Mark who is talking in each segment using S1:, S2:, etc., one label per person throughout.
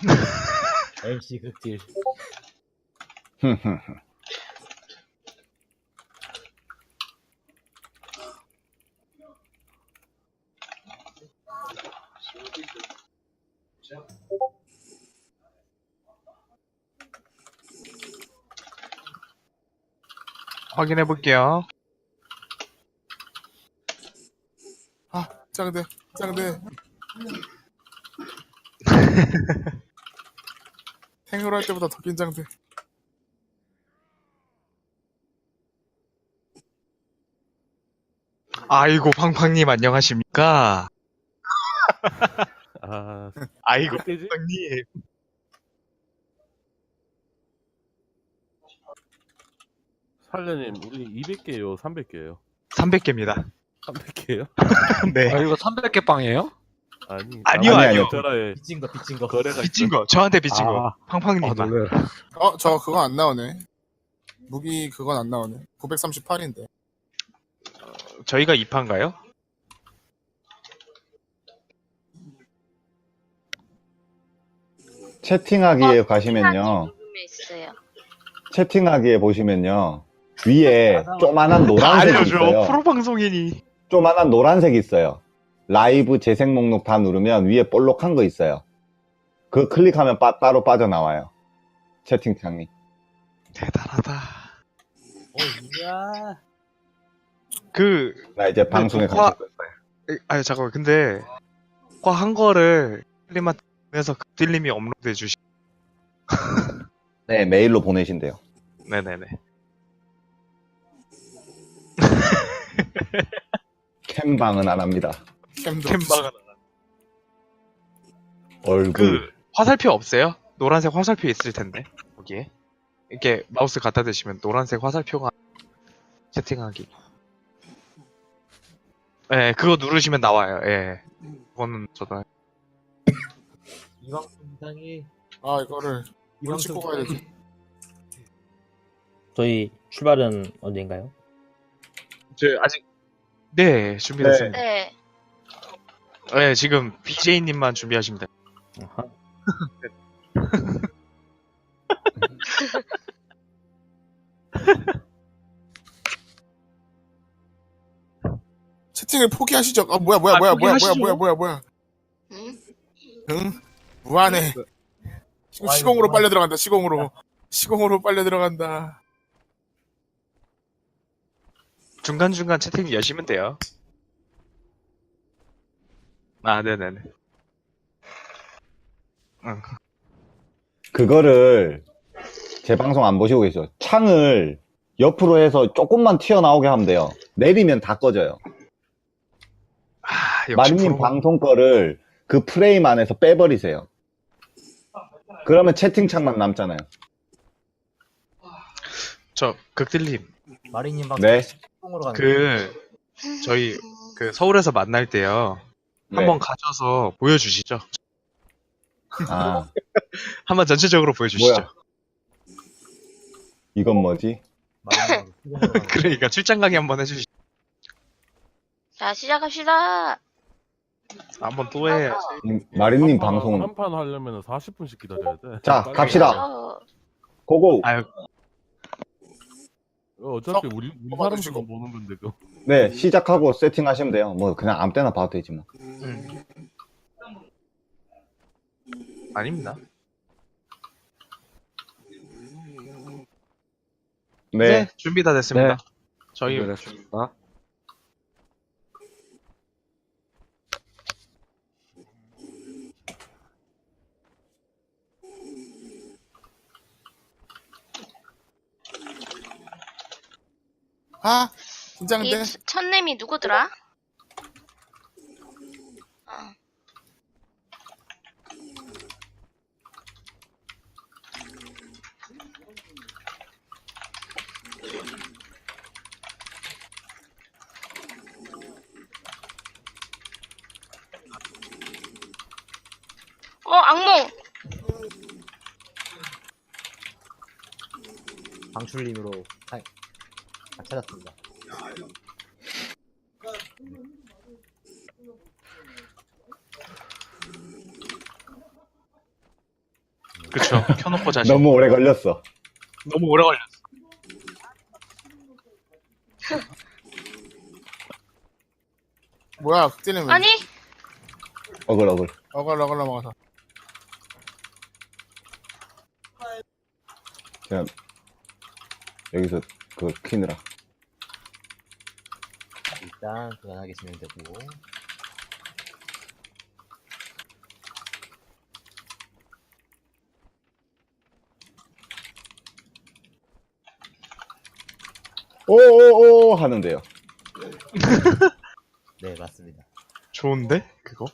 S1: MC 극딜.
S2: 확인해 볼게요.
S3: 아, 짱대. 탱으로 할 때보다 더 긴장돼.
S2: 아이고 팡팡님 안녕하십니까?
S4: 아,
S2: 아이고
S4: 몇 개지?
S2: 팡팡님.
S4: 살려님, 우리 200개요, 300개요?
S2: 300개입니다.
S4: 300개요?
S2: 네.
S5: 아, 이거 300개 빵이에요?
S2: 아니요, 아니요.
S4: 전화에
S1: 빚진 거.
S4: 거래가
S2: 빚진 거. 저한테 빚진 거.
S5: 아,
S2: 팡팡님만.
S5: 놀래라.
S3: 저 그거 안 나오네. 무기 그건 안 나오네. 938인데.
S2: 저희가 2파인가요?
S6: 채팅하기에 가시면요.
S7: 있어요.
S6: 채팅하기에 보시면요. 위에 조만한
S2: 다
S6: 노란색이
S2: 알려줘.
S6: 있어요.
S2: 프로 방송이니.
S6: 조만한 노란색이 있어요. 라이브 재생 목록 다 누르면 위에 볼록한 거 있어요. 그거 클릭하면 따로 빠져나와요. 채팅창이.
S2: 대단하다.
S1: 이야.
S2: 그
S6: 나 이제 방송에
S2: 녹화-
S6: 감출 거예요.
S2: 아니 잠깐만. 근데 한 거를 클리마에서 극딜님이 업로드해 주시.
S6: 네, 메일로 보내신대요.
S2: 네네네.
S6: 캠방은 안 합니다.
S3: 캠도.
S2: 캠방은
S6: 얼굴.
S2: 그 화살표 없어요? 노란색 화살표 있을 텐데 거기에 이렇게 마우스 갖다 대시면 노란색 화살표가 채팅하기. 예, 그거 누르시면 나와요. 예, 그거는 저도
S1: 이 방송 이상이.
S3: 아, 이거를
S1: 이
S3: 뭘 찍고 가야 되지?
S1: 저희 출발은 언제인가요?
S2: 저 아직 네 준비됐습니다.
S7: 네.
S2: 네, 지금 BJ님만 준비하시면 돼요.
S1: 아하.
S3: 채팅을 포기하시죠. 아, 뭐야.
S2: 포기하시죠.
S7: 응?
S3: 응? 무한해. 지금 시공으로 빨려 들어간다. 시공으로 빨려 들어간다.
S2: 중간중간 채팅 여시면 돼요. 아, 네네네. 응.
S6: 그거를 제 방송 안 보시고 계시죠? 창을 옆으로 해서 조금만 튀어나오게 하면 돼요. 내리면 다 꺼져요.
S2: 아, 역시
S6: 마리님
S2: 프로.
S6: 방송 거를 그 프레임 안에서 빼버리세요. 그러면 채팅창만 남잖아요.
S2: 저 극딜님
S1: 마리님 방송
S6: 네.
S1: 으로 가는
S2: 그 저희 그 서울에서 만날 때요.
S6: 네.
S2: 한번 가셔서 보여주시죠.
S6: 아,
S2: 한번 전체적으로 보여주시죠.
S6: 뭐야? 이건 뭐지?
S1: 마리님 방송 으로 가는
S2: 그러니까 출장 강의 한번 해주시죠.
S7: 자, 시작합시다.
S2: 한번 또 해.
S6: 마리님 방송.
S4: 한판 하려면 40분씩 기다려야 돼.
S6: 자,
S4: 빨리
S6: 갑시다.
S7: 어,
S6: 고고.
S2: 아유,
S4: 어차피 우리
S3: 뽑아주시고.
S4: 사람들만 보는 건데, 그거.
S6: 네, 시작하고 세팅하시면 돼요. 뭐 그냥 아무 때나 봐도 되지 뭐.
S2: 아닙니다.
S6: 네.
S2: 준비 다 됐습니다. 저희
S5: 준비됐습니다.
S3: 아,
S7: 이
S3: 긴장돼.
S7: 첫냄이 누구더라? 악몽!
S1: 방출님으로 찾았습니다.
S2: 그쵸. 켜놓고 자시.
S6: 너무 오래 걸렸어.
S2: 너무 오래 걸렸어.
S3: 뭐야, 극딜은 왜?
S7: 아니
S6: 어글.
S3: 어글 넘어가서.
S6: 그냥 여기서 그걸 키느라.
S1: 일단 그만하게 쓰면 되고.
S6: 오오오 하는데요.
S1: 네, 맞습니다.
S2: 좋은데? 그거?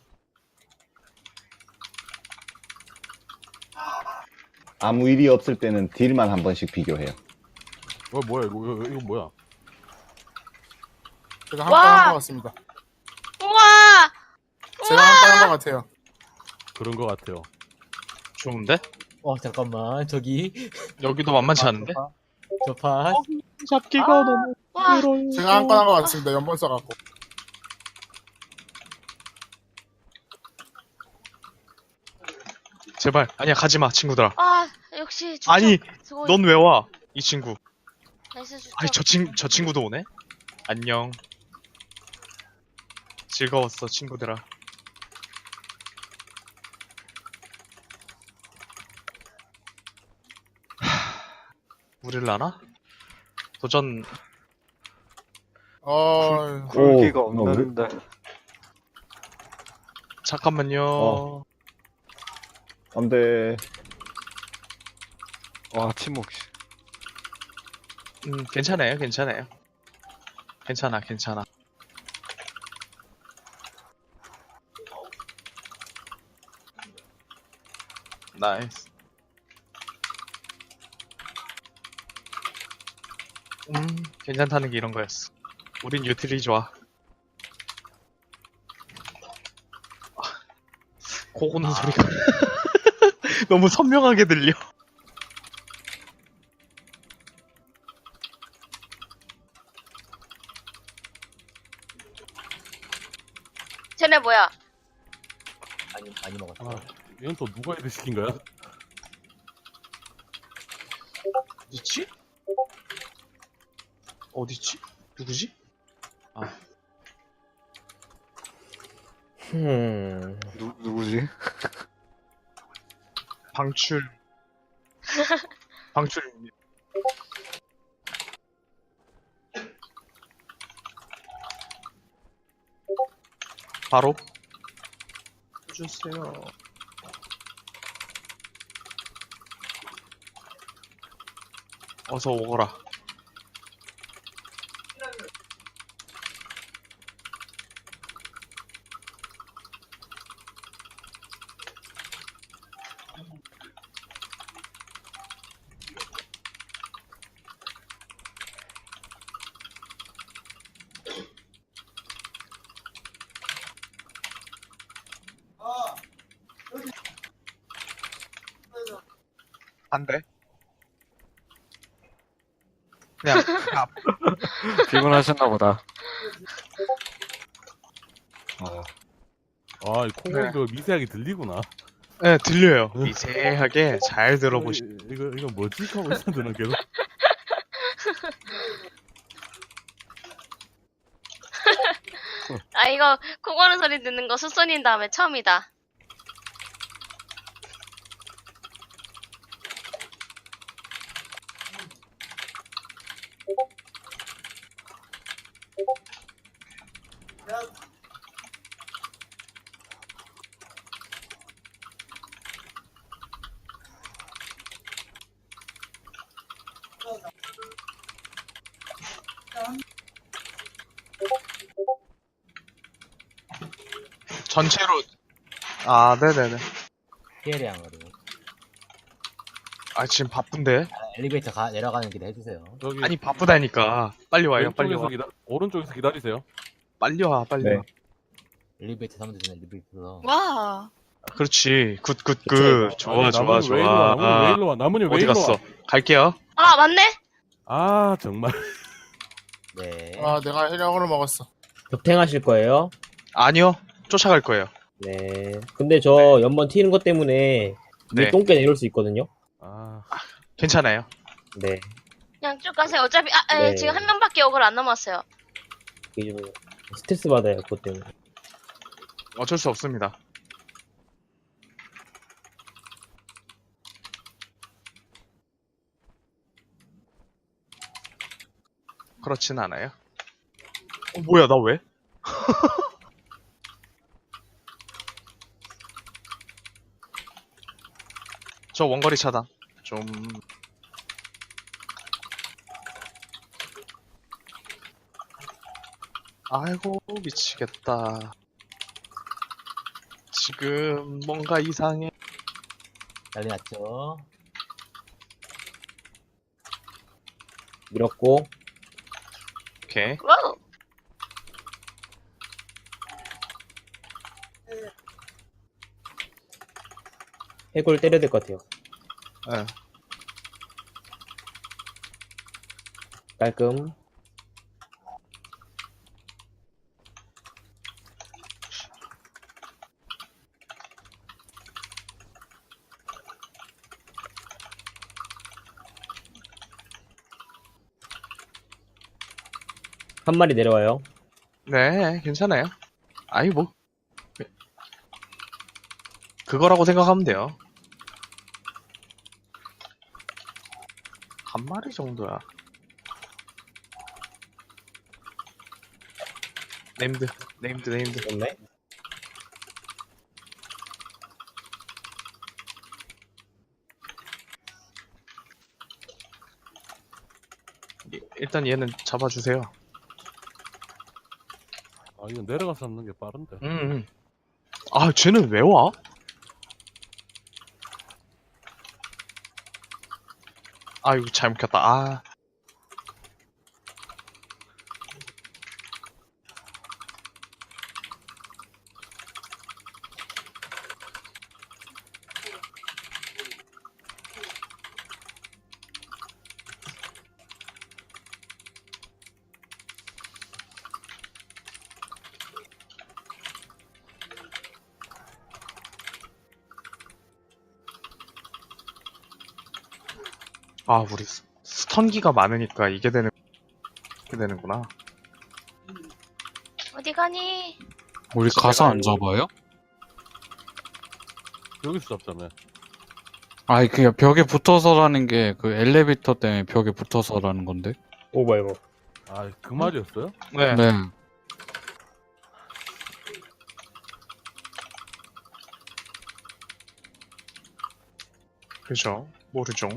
S6: 아무 일이 없을 때는 딜만 한 번씩 비교해요.
S4: 뭐야 이거 뭐야?
S3: 제가
S7: 와!
S3: 한 건 한 것 같습니다.
S7: 우와
S3: 제가 한 건 한 것 같아요.
S4: 그런 거 같아요.
S2: 좋은데?
S1: 잠깐만, 저기.
S2: 여기도 만만치 않은데?
S1: 저 파.
S2: 잡기가 너무
S7: 와
S2: 힘들어요.
S3: 제가 한 건 한 것 같습니다. 연번 써갖고.
S2: 제발. 아니야, 가지마, 친구들아.
S7: 아, 역시 주척
S2: 아니,
S7: 수고해.
S2: 넌 왜 와? 이 친구.
S7: 나이스 주척.
S2: 아니, 저 친구도 오네? 안녕. 즐거웠어, 친구들아. 우릴 나나? 도전.
S5: 굴기가
S6: 오,
S5: 없는데.
S2: 잠깐만요.
S6: 어. 안 돼.
S5: 와, 침묵.
S2: 괜찮아요. 괜찮아. 나이스. 괜찮다는 게 이런 거였어. 우린 유틸이 좋아. 고고는 소리가 너무 선명하게 들려.
S7: 쟤네 뭐야?
S1: 많이 먹었어.
S4: 아, 이건 또 누가 애들 시킨 거야?
S2: 어디지? 어디지? 누구지?
S5: 누구지?
S2: 방출. 방출. 바로 해주세요. 어서 오거라. 안 돼. 그냥
S5: 피곤하셨나 보다.
S4: 아, 이 콩콩이도 미세하게 들리구나.
S2: 네, 들려요. 미세하게 잘 들어보시.
S4: 이거 뭐지? 하고 있었는데 계속.
S7: 아 이거 코 고는 소리 듣는 거 수선인 다음에 처음이다.
S2: 전체로. 아, 네네네.
S1: 피해량으로.
S2: 아, 지금 바쁜데?
S1: 엘리베이터 내려가는 길에 해주세요.
S4: 여기
S2: 아니, 바쁘다니까. 빨리 와요, 빨리 와.
S4: 오른쪽에서 기다리세요.
S2: 빨리 와, 빨리
S6: 네.
S2: 와.
S1: 엘리베이터 타면 되잖아, 엘리베이터.
S7: 와.
S2: 그렇지. 굿.
S1: 그쵸,
S2: 좋아.
S4: 나무님 왜 일로 와? 나무님 왜
S2: 어디
S4: 일로
S2: 갔어?
S4: 와?
S2: 갈게요.
S7: 아 맞네.
S4: 아, 정말.
S1: 네.
S3: 아, 내가 해력으로 먹었어.
S1: 격탱하실 거예요?
S2: 아니요. 쫓아갈 거예요.
S1: 네. 근데 저 연번 튀는 것 때문에 위에
S2: 네.
S1: 똥개 내려올 수 있거든요.
S4: 아,
S2: 괜찮아요.
S1: 네.
S7: 그냥 쭉 가세요. 어차피
S1: 네.
S7: 지금 한 명밖에 억울 안 남았어요.
S1: 이게 좀 스트레스 받아요, 그것 때문에.
S2: 어쩔 수 없습니다. 그렇진 않아요. 뭐야, 나 왜? 저 원거리 차단. 좀. 아이고, 미치겠다. 지금 뭔가 이상해.
S1: 난리 났죠. 밀었고,
S2: 오케이.
S7: 와우.
S1: 해골 때려야 될 것 같아요.
S2: 예.
S1: 깔끔. 한 마리 내려와요.
S2: 네, 괜찮아요. 아이, 뭐. 그거라고 생각하면 돼요. 한 마리 정도야. 네임드.
S1: 좋네.
S2: 일단 얘는 잡아주세요.
S4: 아 이거 내려가서 잡는 게 빠른데.
S2: 아, 쟤는 왜 와? 아, 이거 잘못 켰다. 아. 아, 우리 스턴기가 많으니까 이게 되는구나.
S7: 어디 가니?
S8: 우리 가서 안 잡아요?
S4: 여기서 잡자며.
S8: 아니 그냥 벽에 붙어서라는 게 그 엘리베이터 때문에 벽에 붙어서라는 건데.
S1: 오, 뭐야, 이거.
S4: 아 그 말이었어요?
S2: 네.
S8: 네.
S2: 그죠. 모르죠.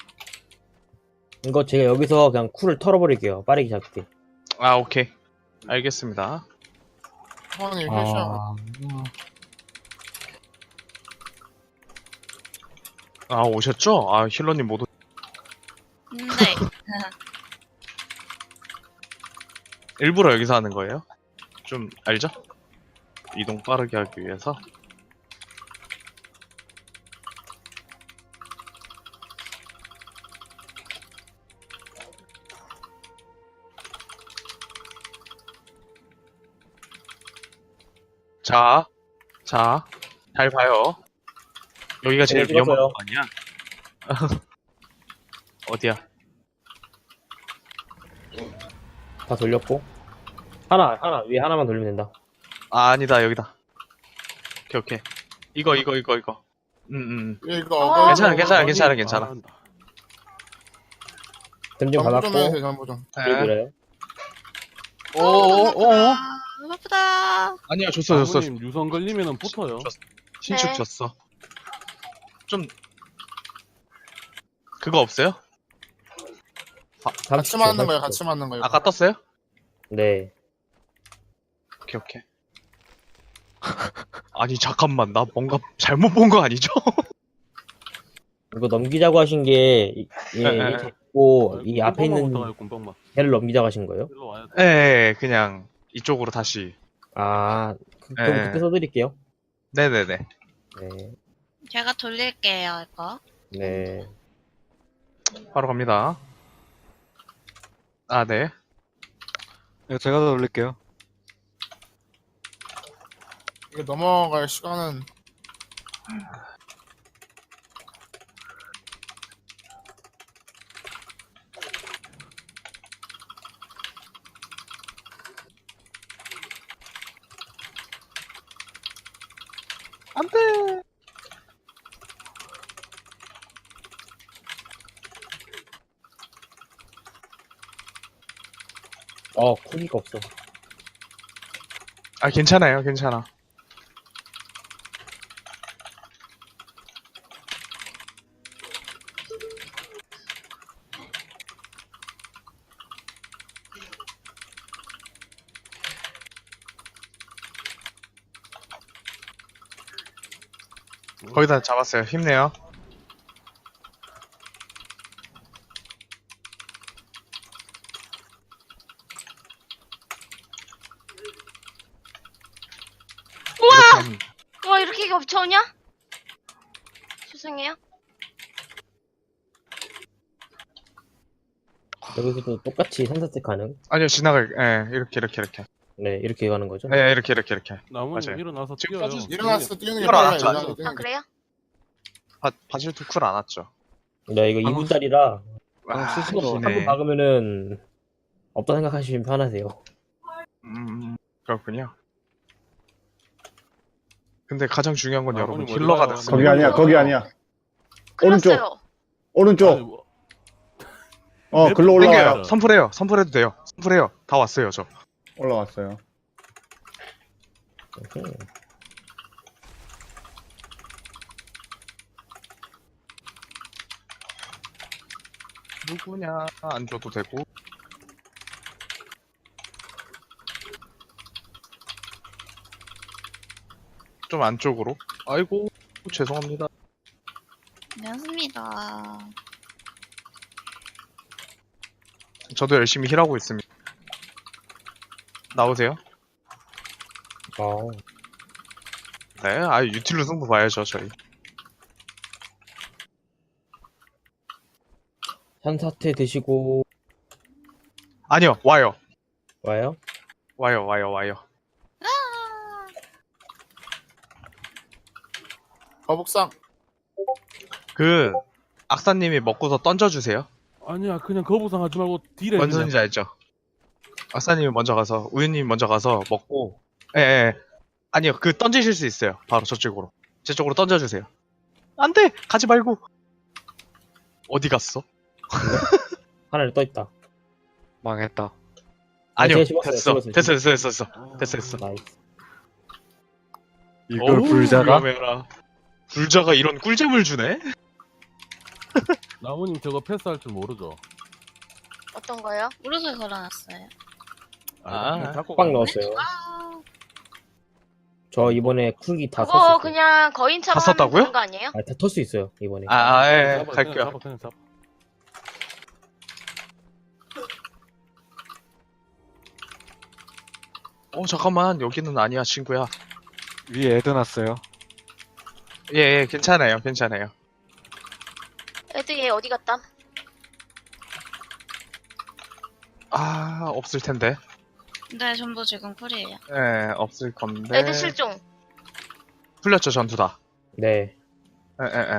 S1: 이거 제가 여기서 그냥 쿨을 털어버릴게요. 빠르게 잡게.
S2: 아, 오케이. 알겠습니다.
S3: 형님 회샤.
S8: 아,
S2: 아, 오셨죠? 아, 힐러님 못
S7: 네.
S2: 일부러 여기서 하는 거예요? 좀 알죠? 이동 빠르게 하기 위해서. 자, 잘 봐요. 여기가 제일
S1: 네,
S2: 위험한
S1: 찍었어요.
S2: 거 아니야? 어디야?
S1: 다 돌렸고. 위에 하나만 돌리면 된다.
S2: 아, 아니다, 여기다. 오케이. 이거.
S3: 이거
S7: 어.
S2: 괜찮아.
S1: 댐 좀
S3: 전부 좀
S1: 받았고.
S3: 해주세요, 전부 좀.
S1: 뒤로 밀어요.
S2: 오오오.
S7: 아프다.
S2: 아니야, 줬어.
S4: 아버님 유선 걸리면은 붙어요.
S2: 신축
S7: 네.
S2: 줬어. 좀 그거 없어요?
S3: 같이 맞는 거예요, 같이 맞는 거예요.
S2: 아까 떴어요?
S1: 네.
S2: 오케이. 아니, 잠깐만, 나 뭔가 잘못 본 거 아니죠?
S1: 이거 넘기자고 하신 게,
S2: 네.
S1: 이 잡고, 이 앞에 있는
S4: 곰방만.
S1: 배를 넘기자고 하신 거예요?
S4: 일로 와야 돼.
S2: 네, 그냥 이쪽으로 다시.
S1: 아, 그럼
S2: 네.
S1: 그렇게 써드릴게요.
S2: 네네네.
S1: 네.
S7: 제가 돌릴게요, 이거.
S1: 네.
S2: 바로 갑니다. 아, 네.
S5: 이거 제가 더 올릴게요.
S3: 이거 넘어갈 시간은
S2: 안돼.
S1: 쿨기가 없어.
S2: 아 괜찮아요, 괜찮아. 거의 다 잡았어요. 힘내요. 우와!
S7: 와, 이렇게 겹쳐오냐? 죄송해요.
S1: 여기서도 똑같이 3사세 가능.
S2: 아니요, 지나갈. 이렇게.
S1: 네, 이렇게 가는 거죠.
S2: 이렇게.
S4: 나무님
S2: 맞아요.
S4: 일어나서
S2: 지금
S4: 뛰어요.
S2: 꺼주세요.
S3: 일어났어, 뛰는 게
S2: 이걸
S3: 빨라요.
S2: 알았죠?
S3: 일어나서 뛰는
S7: 아,
S3: 게.
S7: 그래요?
S2: 바질 투쿨 안 왔죠.
S1: 네, 이거 2분짜리라
S2: 와,
S8: 스스로
S1: 한 번 박으면은 없다 생각하시면 편하세요.
S2: 그렇군요. 근데 가장 중요한 건
S4: 아,
S2: 여러분
S4: 어머니
S2: 힐러가
S4: 머리가-
S2: 됐어요.
S6: 거기 아니야. 오른쪽.
S7: 끝났어요.
S6: 오른쪽.
S4: 아니, 뭐,
S6: 글로 올라와요.
S2: 땡겨요. 선풀해도 돼요. 선풀해요. 다 왔어요, 저.
S6: 올라왔어요.
S2: 누구냐 안 줘도 되고. 좀 안쪽으로. 아이고 죄송합니다.
S7: 안녕하십니다.
S2: 저도 열심히 힐하고 있습니다. 나오세요?
S1: 아,
S2: 네, 유틸로 승부 봐야죠 저희.
S1: 현사태 드시고
S2: 아니요, 와요.
S1: 와요.
S3: 거북상.
S2: 그 악사님이 먹고서 던져주세요.
S4: 아니야, 그냥 거부상 하지 말고 딜에
S2: 뭔
S4: 그냥.
S2: 소리인지 알죠? 악사님이 먼저 가서 우유님이 먼저 가서 먹고. 예. 아니요, 그 던지실 수 있어요. 바로 저쪽으로. 제 쪽으로 던져주세요. 안돼, 가지 말고. 어디 갔어?
S1: 하나를 떠 있다.
S5: 망했다.
S2: 아니요,
S1: 제가
S2: 됐어.
S1: 집었어요.
S2: 됐어.
S1: 나이스.
S5: 이걸
S2: 어우,
S5: 불자가?
S2: 위험해라. 불자가 이런 꿀잼을 주네?
S4: 나무님 저거 패스할 줄 모르죠?
S7: 어떤 거요? 무릎을 걸어놨어요.
S2: 아,
S4: 잡고
S1: 빡
S4: 가네.
S1: 넣었어요.
S7: 아,
S1: 저 이번에 쿨기 다
S7: 그거
S1: 썼어요.
S7: 그냥 거인처럼
S2: 다
S7: 하면
S2: 썼다고요?
S7: 되는 거 아니에요?
S1: 다 털 수 있어요 이번에.
S2: 예,
S4: 잡아,
S2: 갈게요.
S4: 그냥 잡아.
S2: 잠깐만, 여기는 아니야, 친구야.
S5: 위에 애드 났어요.
S2: 예, 괜찮아요.
S7: 애들 얘 어디 갔다?
S2: 없을 텐데.
S7: 네, 전부 지금 쿨이에요.
S2: 예, 없을 건데.
S7: 애들 실종.
S2: 풀렸죠, 전투 다.
S1: 네.
S2: 예.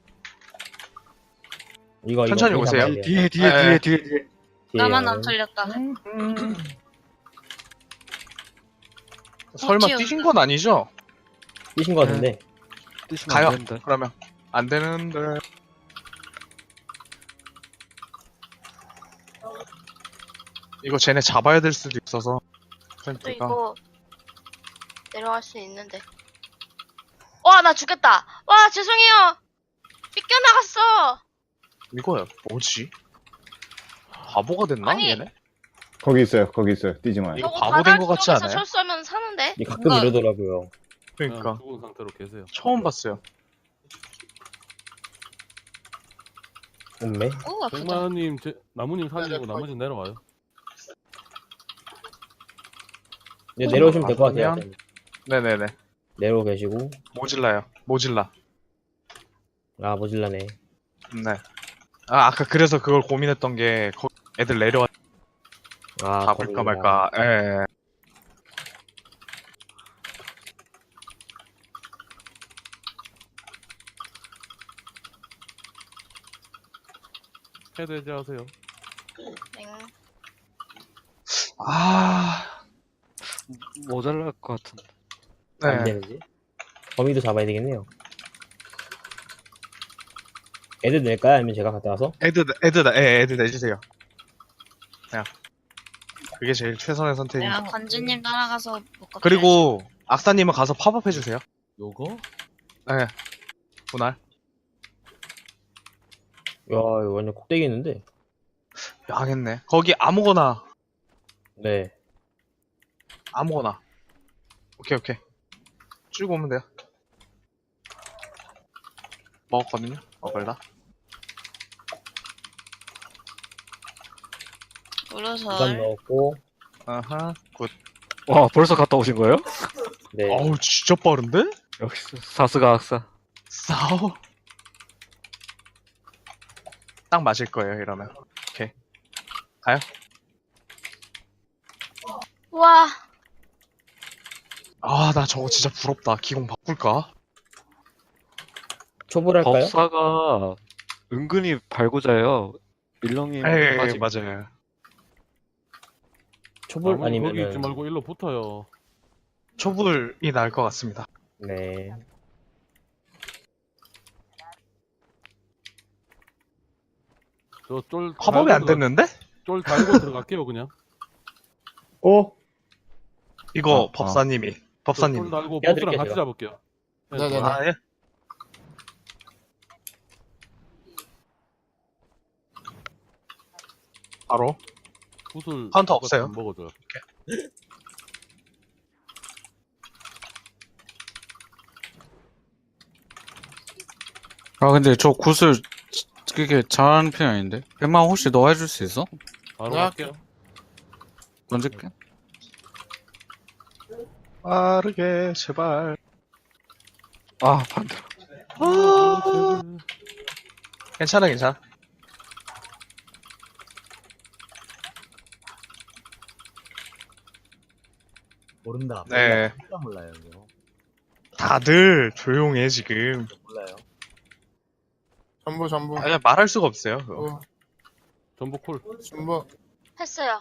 S1: 이거
S2: 천천히
S1: 이거
S2: 오세요.
S1: 잡아야 돼요.
S5: 뒤에.
S1: 뒤에요.
S7: 나만 안 털렸다.
S2: 설마
S7: 튀어.
S2: 뛰신 건 아니죠?
S1: 뛰신 거 같은데.
S5: 뛰시면
S2: 가요.
S5: 안 되는데.
S2: 그러면. 안 되는데. 이거 쟤네 잡아야 될 수도 있어서.
S7: 또
S2: 팬티가.
S7: 이거 내려갈 수 있는데. 와, 나 죽겠다. 와, 죄송해요. 삐껴나갔어.
S2: 이거야, 뭐지? 바보가 됐나,
S7: 아니,
S2: 얘네?
S6: 거기 있어요. 뛰지 마요.
S2: 이거
S7: 저거
S2: 바보
S7: 바닥
S2: 된것 같지
S7: 쪽에서
S2: 않아요?
S7: 철수하면 사는데.
S1: 이게 가끔 이러더라고요.
S2: 그러니까.
S4: 그냥 죽은 상태로 계세요.
S2: 처음 봤어요.
S1: 없네.
S7: 오, 아프다.
S4: 백마님, 나무님 살리고 나머지 내려와요.
S1: 이제 내려오시면 될 것 같아요.
S2: 그러면- 네네네.
S1: 내려오 계시고.
S2: 모질라.
S1: 아, 모질라네.
S2: 네. 아까 그래서 그걸 고민했던 게, 애들 내려와,
S1: 아,
S2: 잡을까
S1: 거기구나.
S2: 말까. 예.
S4: 헤드 해제하세요.
S7: 땡.
S2: 아,
S5: 모자랄 것 같은데.
S1: 안
S2: 네.
S1: 되는지. 범위도 잡아야 되겠네요. 애들 낼까요? 아니면 제가 갔다 와서?
S2: 애드 내주세요. 그냥 그게 제일 최선의 선택입니다.
S7: 내가 관주님 따라가서 묶어.
S2: 그리고 악사님은 가서 팝업 해주세요.
S4: 요거?
S2: 네. 분할.
S1: 야, 이거 완전 꼭대기 있는데?
S2: 하겠네. 거기 아무거나.
S1: 네.
S2: 아무거나. 오케이. 쭉 오면 돼요. 먹었거든요. 먹을라.
S1: 부산
S7: 물어설.
S1: 넣었고,
S2: 아하. 굿.
S5: 와, 벌써 갔다 오신 거예요?
S1: 네.
S2: 어우 진짜 빠른데?
S5: 역시 사스가 악사.
S2: 싸워. 딱 맞을 거예요 이러면. 오케이. 가요.
S7: 와,
S2: 아 나 저거 진짜 부럽다. 기공 바꿀까?
S1: 초보랄까요?
S5: 법사가 은근히 발고자예요. 밀렁이
S2: 에이 맞아요.
S1: 초볼
S4: 나무님 거기 있지
S1: 아니면은,
S4: 말고 일로 붙어요.
S2: 초불이 나을 것 같습니다.
S1: 네.
S4: 저쫄
S2: 팝업이 안 됐는데?
S4: 쫄 달고 들어갈게요 그냥.
S6: 어?
S2: 이거
S8: 아,
S2: 법사님이.
S4: 쫄
S2: 법사님.
S4: 달고
S1: 제가
S4: 보스랑
S1: 드릴게요,
S4: 같이
S1: 제가.
S4: 잡을게요.
S3: 네네네.
S2: 아 예. 바로.
S4: 구슬
S2: 카운터 없어요.
S4: 안 먹어줘요.
S8: 아, 근데 저 구슬, 그게 잘하는 편 아닌데? 백만 혹시 너 해줄 수 있어?
S4: 바로
S3: 내가
S4: 갈게요.
S8: 던질게.
S2: 빠르게 제발.
S5: 아, 반대로.
S2: 괜찮아.
S9: 모른다.
S2: 네.
S9: 진짜 몰라요, 이거.
S2: 다들 조용해 지금.
S9: 몰라요.
S3: 전부.
S2: 그냥 말할 수가 없어요. 그거.
S3: 어,
S4: 전복 콜.
S3: 전부.
S7: 했어요.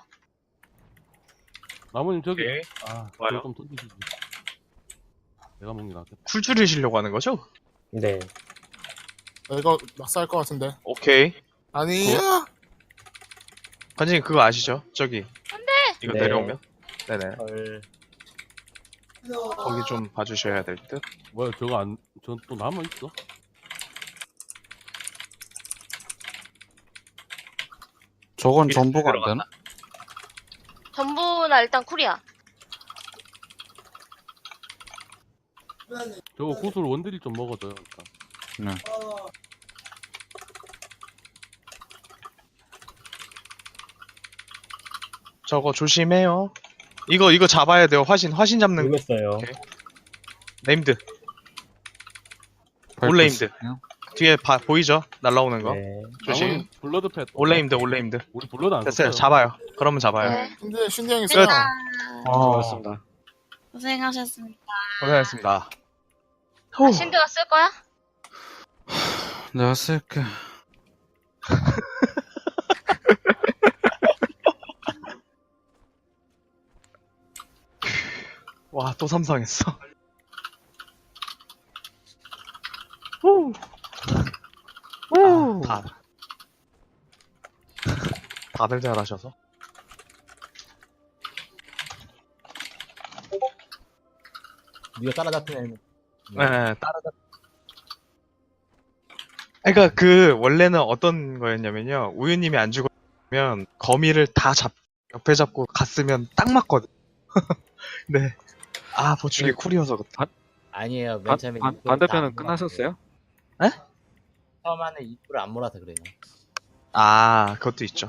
S4: 나무님 저기.
S2: 오케이.
S4: 아,
S2: 좋아요.
S4: 저거 좀 던지시지. 내가 먹는 게 낫겠다.
S2: 쿨 줄이시려고 하는 거죠?
S1: 네.
S3: 이거 막살 것 같은데.
S2: 오케이.
S3: 아니야.
S2: 관장님 그거 아시죠? 저기. 안돼. 이거
S1: 네.
S2: 내려오면. 네네.
S9: 헐.
S2: 거기 좀 봐주셔야 될 듯.
S4: 뭐야 저거 안, 저 또 남아 있어?
S8: 저건
S2: 이렇게
S8: 전부가 안
S2: 들어갔나?
S8: 되나?
S7: 전부나 일단 쿨이야.
S4: 저거 구슬 원딜이 좀 먹어줘요. 일단.
S8: 네.
S2: 저거 조심해요. 이거 잡아야 돼요. 화신 잡는 거.
S1: 모르겠어요.
S2: 오케이. 네임드.
S8: 밟고
S2: 올레임드.
S8: 있을게요.
S2: 뒤에 보이죠? 날라오는 거.
S1: 네.
S2: 조심.
S4: 나무님 블러드 팻.
S2: 올레임드.
S4: 우리 블러드 안
S2: 됐어요.
S4: 썼어요.
S2: 잡아요. 그러면 잡아요.
S7: 네.
S3: 근데 신디 형이 세요.
S5: 고맙습니다.
S7: 고생하셨습니다.
S2: 고생하셨습니다.
S7: 아, 신드가 쓸 거야?
S8: 내가 쓸게.
S2: 와, 또 삼성했어. 다들 잘하셔서.
S9: 네가 따라잡히면
S2: 네, 따라잡. 그러니까 그 원래는 어떤 거였냐면요. 우유님이 안 죽으면 거미를 다 옆에 잡고 갔으면 딱 맞거든. 네. 아 보충이 쿨이어서 그때.
S9: 아니에요. 맨 처음에 입구를
S5: 반대편은
S9: 다안
S5: 끝나셨어요?
S9: 몰았어요. 처음 안에 입구를 안 몰아서 그래요.
S2: 아 그것도 있죠.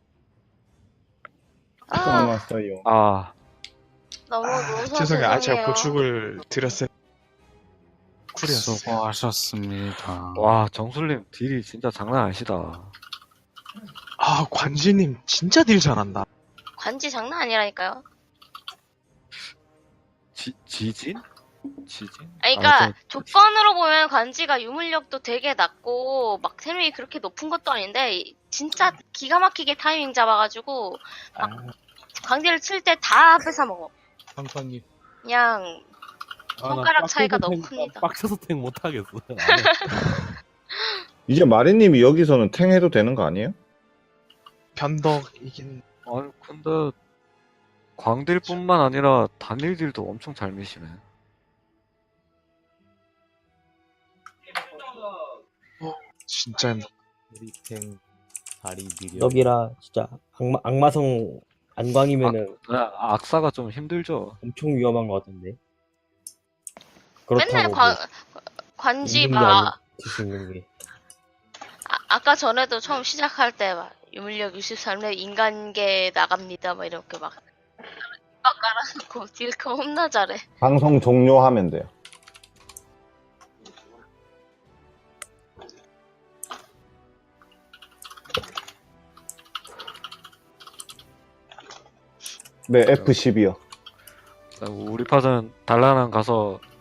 S7: 아,
S6: 왔어요.
S5: 아,
S7: 너무 무서워서
S2: 죄송해요. 아 제가
S7: 죄송해요.
S2: 보충을 드렸어요. 쿨이었어요.
S8: 수고하셨습니다.
S5: 와, 정술님 딜이 진짜 장난 아니시다.
S2: 아 관지님 진짜 딜 잘한다.
S7: 관지 장난 아니라니까요.
S5: 지진?
S7: 아니, 그러니까
S5: 아,
S7: 조건으로 보면 관지가 유물력도 되게 낮고 막 세력이 그렇게 높은 것도 아닌데 진짜 기가 막히게 타이밍 잡아가지고 막 광대를 칠 때 다 뺏어 먹어.
S9: 황천님.
S7: 그냥
S4: 아, 나
S7: 손가락 차이가
S4: 빡쳐서
S7: 너무
S4: 탱-
S7: 큽니다.
S4: 빡쳐서 탱 못하겠어.
S6: 이제 마리님이 여기서는 탱 해도 되는 거 아니에요?
S2: 변덕이긴.
S5: 아니 근데 광딜뿐만 아니라 단일딜도 엄청 잘 미시네.
S2: 진짜
S9: 리탱 다리 미려.
S1: 덕이라 진짜 악마성 안광이면은
S5: 악사가 좀 힘들죠.
S1: 엄청 위험한 것 같은데.
S7: 맨날
S1: 그렇다고 뭐
S7: 관지
S1: 있는 게
S7: 막
S1: 아니고 수 있는 게.
S7: 아까 전에도 처음 시작할 때 막 유물력 63렙 인간계 나갑니다 막 이렇게 막 깔아놓고 딜커 홈나 잘해.
S6: 방송 종료하면 돼요. 네, F12요.
S5: 우리 파전 달라난 가서